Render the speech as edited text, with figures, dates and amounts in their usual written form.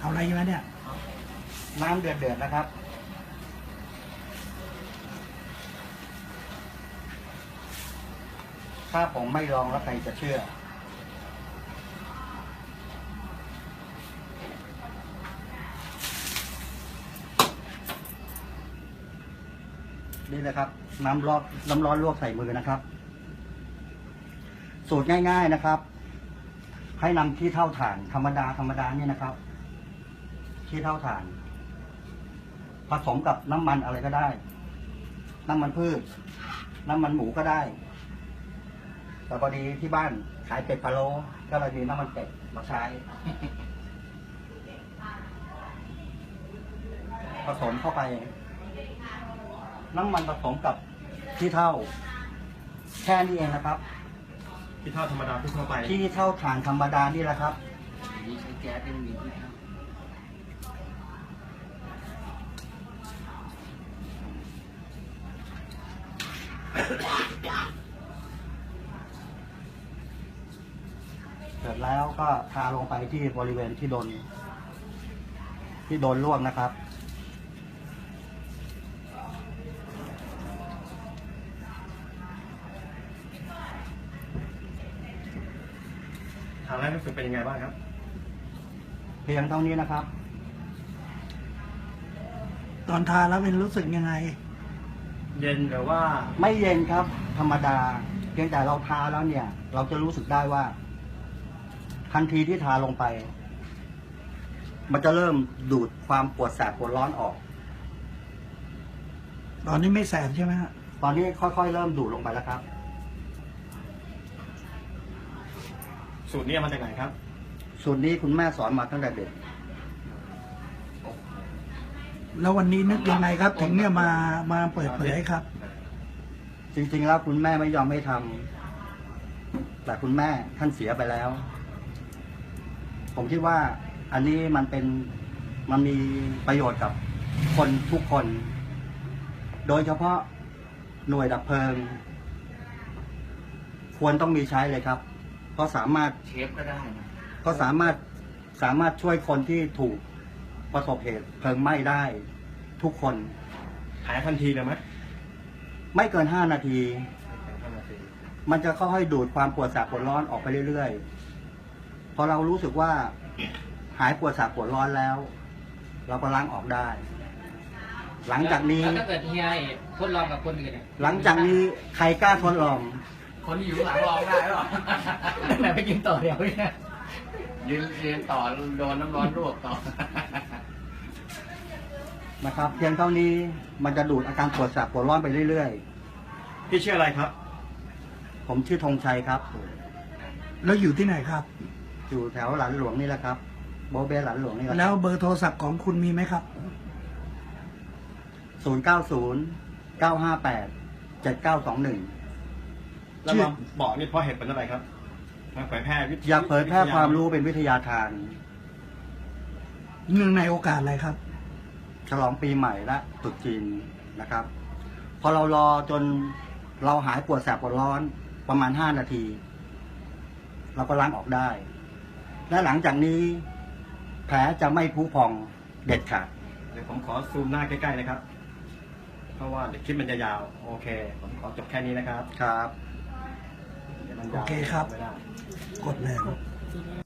เอาอะไรมาเนี่ยน้ำเดือดนะครับถ้าผมไม่ลองแล้วใครจะเชื่อนี่เลยครับน้ำร้อนลวกใส่มือนะครับสูตรง่ายๆนะครับให้นำขี้เถ้าถ่านธรรมดาเนี่ยนะครับขี้เถ้าถ่านผสมกับน้ำมันอะไรก็ได้น้ำมันพืชน้ำมันหมูก็ได้แต่พอดีที่บ้านขายเป็ดพะโล้ก็เลยมีน้ำมันเป็ดมาใช้ผสมเข้าไปน้ำมันผสมกับขี้เถ้าแค่นี้เองนะครับขี้เถ้าธรรมดาทั่วไปขี้เถ้าถ่านธรรมดานี่แหละครับนี่ใช้แก๊สเป็นมีที่ครับเสร็จแล้วก็ทาลงไปที่บริเวณที่โดนลวกนะครับทานแล้วรู้สึกเป็นยังไงบ้างครับเพียงเท่านี้นะครับตอนทาแล้วเป็นรู้สึกยังไงเย็นหรือว่าไม่เย็นครับธรรมดาเพียงแต่เราทาแล้วเนี่ย เราจะรู้สึกได้ว่าทันทีที่ทาลงไปมันจะเริ่มดูดความปวดแสบปวดร้อนออกตอนนี้ไม่แสบใช่ไหมฮะตอนนี้ค่อยๆเริ่มดูดลงไปแล้วครับสูตรนี้มาจากไหนครับสูตรนี้คุณแม่สอนมาตั้งแต่เด็กแล้ววันนี้นึกยังไงครับถึงเนี่ยมาเปิดเผยครับจริงๆแล้วคุณแม่ไม่ยอมให้ทำแต่คุณแม่ท่านเสียไปแล้วผมคิดว่าอันนี้มันมีประโยชน์กับคนทุกคนโดยเฉพาะหน่วยดับเพลิงควรต้องมีใช้เลยครับเพราะสามารถเชฟก็ได้นะก็สามารถช่วยคนที่ถูกประสบเหตุเพลิงไหม้ได้ทุกคนหายทันทีเลยไหมไม่เกิน5 นาทีมันจะค่อยๆดูดความปวดแสบปวดร้อนออกไปเรื่อยๆพอเรารู้สึกว่าหายปวดแสบปวดร้อนแล้วเราก็ล้างออกได้หลังจากนี้ถ้าเกิดเฮียทดลองกับคนอื่นหลังจากนี้ใครกล้าทดลองคนที่อยู่หลังลองได้หรอแต่ไปกินต่อเดี๋ยวเนี่ยยืนต่อโดนน้ำร้อนลวกต่อนะครับเพียงเท่านี้มันจะดูดอาการปวดแสบปวดร้อนไปเรื่อยๆพี่ชื่ออะไรครับผมชื่อธงชัยครับแล้วอยู่ที่ไหนครับอยู่แถวหลันหลวงนี่แหละครับโบเบ้หลันหลวงนี่แหละแล้วเบอร์โทรศัพท์ของคุณมีไหมครับ 0909587921 แล้วมาบอกนี่เพราะเหตุเป็นอะไรครับมาเผยแพร่อยากเผยแพร่ความรู้เป็นวิทยาทานเนื่องในโอกาสอะไรครับฉลองปีใหม่และตรุษจีนนะครับพอเรารอจนเราหายปวดแสบปวดร้อนประมาณ5 นาทีเราก็ล้างออกได้และหลังจากนี้แผลจะไม่พุพองเด็ดขาดเดี๋ยวผมขอซูมหน้าใกล้ๆนะครับเพราะว่าเดี๋ยวคลิปมันจะยาวโอเคผมขอจบแค่นี้นะครับครับโอเคครับกดเลย